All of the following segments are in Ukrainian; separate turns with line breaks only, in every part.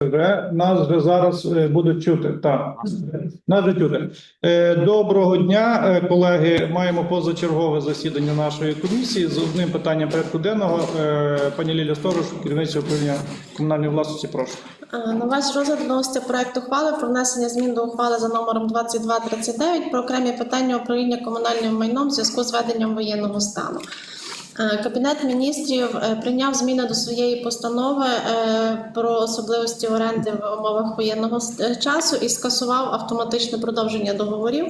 Нас вже зараз будуть чути. Так, нас вже чути. Доброго дня, колеги. Маємо позачергове засідання нашої комісії з одним питанням порядку денного. Пані Лілія Сторож, керівниця управління комунальної власності, прошу.
На ваш розгляд вноситься проект ухвали про внесення змін до ухвали за номером 2239 про окремі питання управління комунальним майном в зв'язку з введенням воєнного стану. Кабінет міністрів прийняв зміни до своєї постанови про особливості оренди в умовах воєнного часу і скасував автоматичне продовження договорів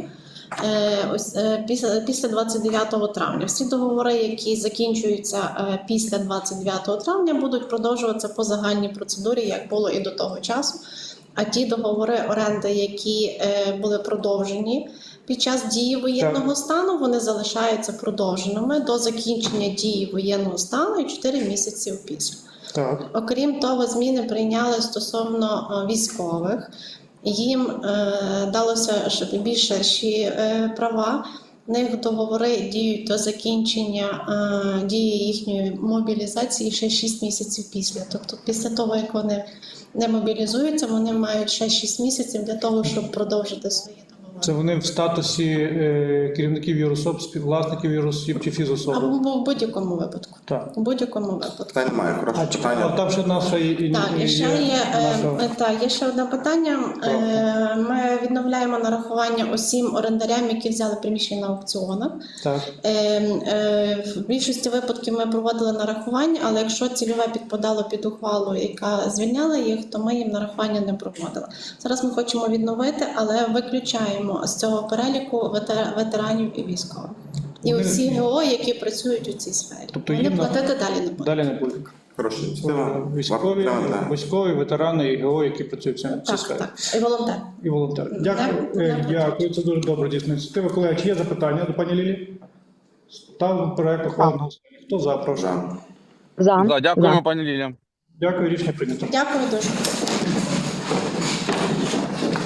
після 29 травня. Всі договори, які закінчуються після 29 травня, будуть продовжуватися по загальній процедурі, як було і до того часу. А ті договори оренди, які були продовжені під час дії воєнного стану, вони залишаються продовженими до закінчення дії воєнного стану і 4 місяці після.
Так.
Окрім того, зміни прийняли стосовно військових. Їм далося більш ширші права. В них договори діють до закінчення дії їхньої мобілізації ще 6 місяців після. Тобто після того, як вони не мобілізуються, вони мають ще 6 місяців для того, щоб продовжити свої договори.
Це вони в статусі керівників юрособ, співвласників юрособ чи фізособи?
Або в будь-якому випадку.
Так.
У будь-якому випадку.
Та немає, хороше питання.
Там ще наша
є ще одне питання. Ми відновляємо нарахування усім орендарям, які взяли приміщення на аукціонах.
Так.
В більшості випадків ми проводили нарахування, але якщо цільове підпадало під ухвалу, яка звільняла їх, то ми їм нарахування не проводили. Зараз ми хочемо відновити, але виключаємо з цього переліку ветеранів і військових. І усі ГО, які працюють у цій сфері.
Тобто
вони
їм
платити далі не будуть.
Далі не будуть.
Хороше.
Військові, ветерани і ГО, які працюють в цій сфері.
Так. І волонтери.
І волонтери. Дякую. Дякую. Це дуже добра дійсна ініціатива. Колеги, чи є запитання до пані Лілії? Ставимо проект ухвали. Хто за, прошу?
За. Дякуємо, пані Лілія.
Дякую, рішення прийнято.
Дякую дуже.